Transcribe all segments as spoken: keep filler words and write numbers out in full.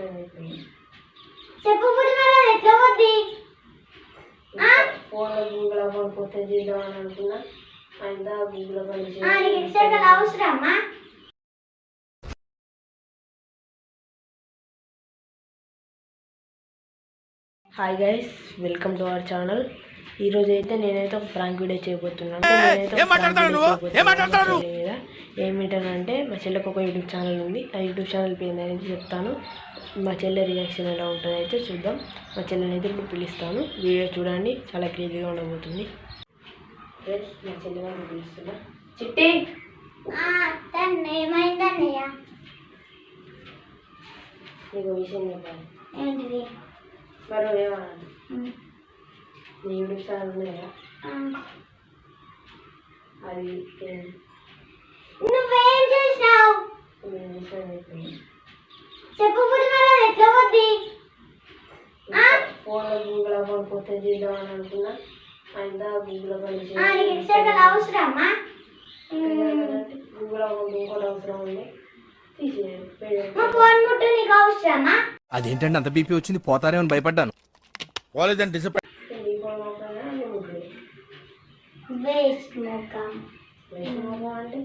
చెప్పు ఎట్లా పోద్ది ఫోన్ గూగుల్ అకౌంట్ కొత్త చేద్దామని అనుకున్నా అయినా గూగుల్ అకౌంట్ అవసరమ్మా. Hi guys, welcome to our channel. ఈ రోజు అయితే నేనైతే ఒక ప్రాంక్ వీడియో చేయబోతున్నాను. నేనైతే ఏమిటనంటే మా చెల్లెకి ఒక యూట్యూబ్ ఛానల్ ఉంది. ఆ యూట్యూబ్ ఛానల్ పేరు అనేది చెప్తాను. మా చెల్లె రియాక్షన్ ఎలా ఉంటుందో అయితే చూద్దాం. మా చెల్లెని అయితే ఇప్పుడు పిలుస్తాను. వీడియో చూడండి, చాలా క్రేజీగా ఉండబోతుంది. మా చెల్లె వాళ్ళు పిలుస్తున్నా. చిట్టి ఏమైందన్నయ్య? నీకు విషయం చెప్పాలి. ఏంటిది? మరి ఏమన్నా నీ యూట్యూబ్ ఛానల్ ఉంది కదా, అది నువ్వేం చేసినావు చెప్పు. ఎట్లా పోద్ది? ఫోన్లో గూగుల్ అకౌంట్ కొత్త చేద్దామని అనుకున్నా అయినా గూగుల్ అకౌంట్ అవసరమ్మా. గూగుల్ అకౌంట్ ఇంకోటి అవసరం ఉంది, తీసేయాలి. ఫోన్ ముట్టు నీకు అవసరమా? అదేంటంటే అంత బీపీ వచ్చింది, పోతారేమని భయపడ్డాను. పోలేదని డిసప్పాయింట్. వేస్ట్ మొక్కం అంటే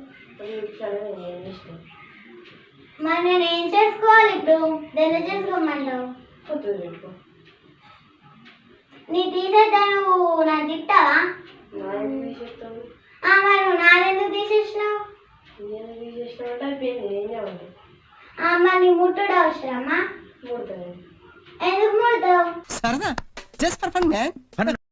మరి నేను ఏం చేసుకోవాలి ఇప్పుడు? దాన్ని చేసుకోమంటావు? కొత్తది పెట్టుకో. నీ తీసేద్దా? నువ్వు నాకు తిట్టావా? తీసేస్తాను. మరి నువ్వు నాదెందుకు తీసేసినావు? నేను తీసేసినావు అంటే అయిపోయింది, ఏం చేయాలి? మరి నీ ముట్టుడు అవసరమా? ముడతాను. ఎందుకు ముడతావు? సరదా జస్ట్ ఫర్ ఫన్ మ్యాన్.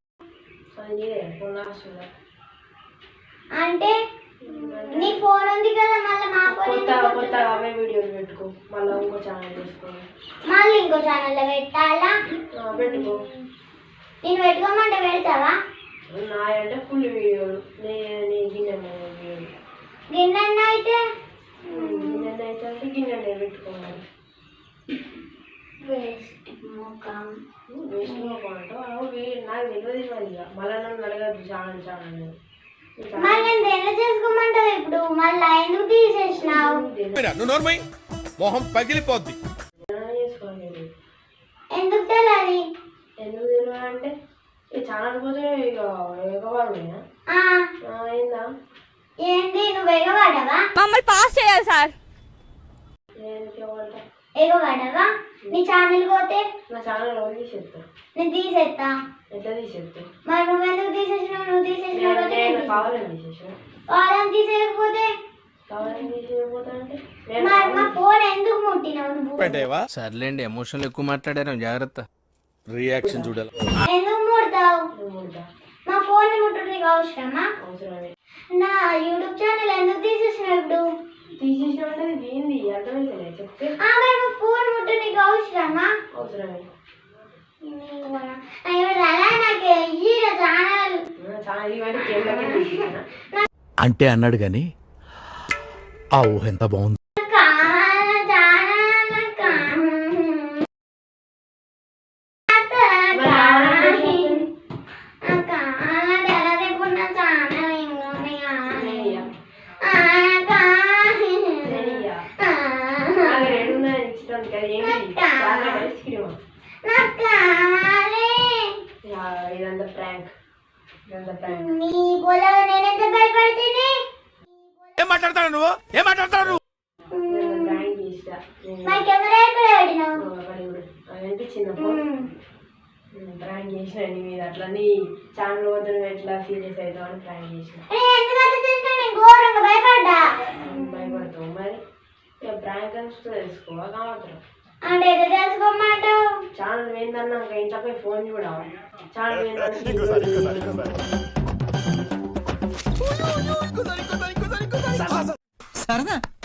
అంటే నీ ఫోన్ ఉంది కదా, మళ్ళీ మా కొత్త కొత్త అవే వీడియోలు పెట్టుకో. మళ్ళీ ఇంకో ఛానల్ చేసుకో. మళ్ళీ ఇంకో ఛానల్లో పెట్టాలా? పెట్టుకో. నేను పెట్టుకోమంటే పెడతావా? నా అంటే ఫుల్ వీడియోలు, నీ నీ గిన్నె వీడియోలు. గిన్నె అయితే గిన్నె అయితే అంటే గిన్నె పెట్టుకోవాలి. వేస్ట్ ముఖం. వేస్ట్ ముఖం అంటావు? నాకు తెలియదు మరి. ఇక మళ్ళీ నన్ను అడగద్దు ఛానల్ ఛానల్. మరి నేను ఎలా చేసుకోమంటావు ఇప్పుడు? మళ్ళీ ఎందుకు తీసేసినావు? మొహం పగిలిపోద్ది. ఎందుకు తెలియదు? ఎందుకు తెలియదు అంటే ఈ ఛానల్ పోతే ఇక ఎగవాడునా అయిందా? ఏంది నువ్వు ఎగవాడవా? మమ్మల్ని పాస్ చేయాలి సార్. ఎగవాడవా? నీ ఛానల్ పోతే నా ఛానల్ ఎవరు తీసేస్తా? నేను తీసేస్తా. ఎట్లా తీసేస్తా? మరి నువ్వెందుకు తీసేసినావు? నువ్వు తీసేసినావు కావాలని తీసేసిన. కావాలని తీసేయకపోతే కావాలని తీసేయకపోతే అంటే మరి మా ఫోన్ ఎందుకు ముట్టినావు నువ్వు? సర్లేండి, ఎమోషనల్ ఎక్కువ మాట్లాడాను, జాగ్రత్త. రియాక్షన్ చూడాలి. ఎందుకు ముడతావు? ముడతా. మా ఫోన్ ముట్టుడు నీకు అవసరమా? అవసరమే. నా యూట్యూబ్ ఛానల్ ఎందుకు తీసేసినావు ఇప్పుడు? తీసేసిన అంటే ఏంది అర్థమైతే చెప్తే. మా ఫోన్ ముట్టు నీకు అవసరమా? అవసరమే. అంటే అన్నాడు గాని ఆ ఊహ ఎంత బాగుంది. ఇదంతా ప్రాంక్. నీ పొలం నేనెంత భయపడితేనే. ఏం మాట్లాడతావు నువ్వు? ఏం మాట్లాడతావు? ప్రాంక్ చేస్తా. మరి కెమెరా ఎక్కడ పెట్టినావు? అనిపించింది ప్రాంక్ చేసిన నీ మీద. అట్లా నీ ఛానల్ వద్ద నువ్వు ఎట్లా సీరియస్ అవుతావు అని ప్రాంక్ చేసిన. ఘోరంగా భయపడ్డా. భయపడతావు మరి. ప్రాంక్ అని తెలుసుకోవా కావట్లేదు అంటే ఎట్లా తెలుసుకోమంటావు? ఛానల్ ఏందన్నా ఇంకా ఇంట్లోపై ఫోన్ చూడాలి. ఛానల్ సరదా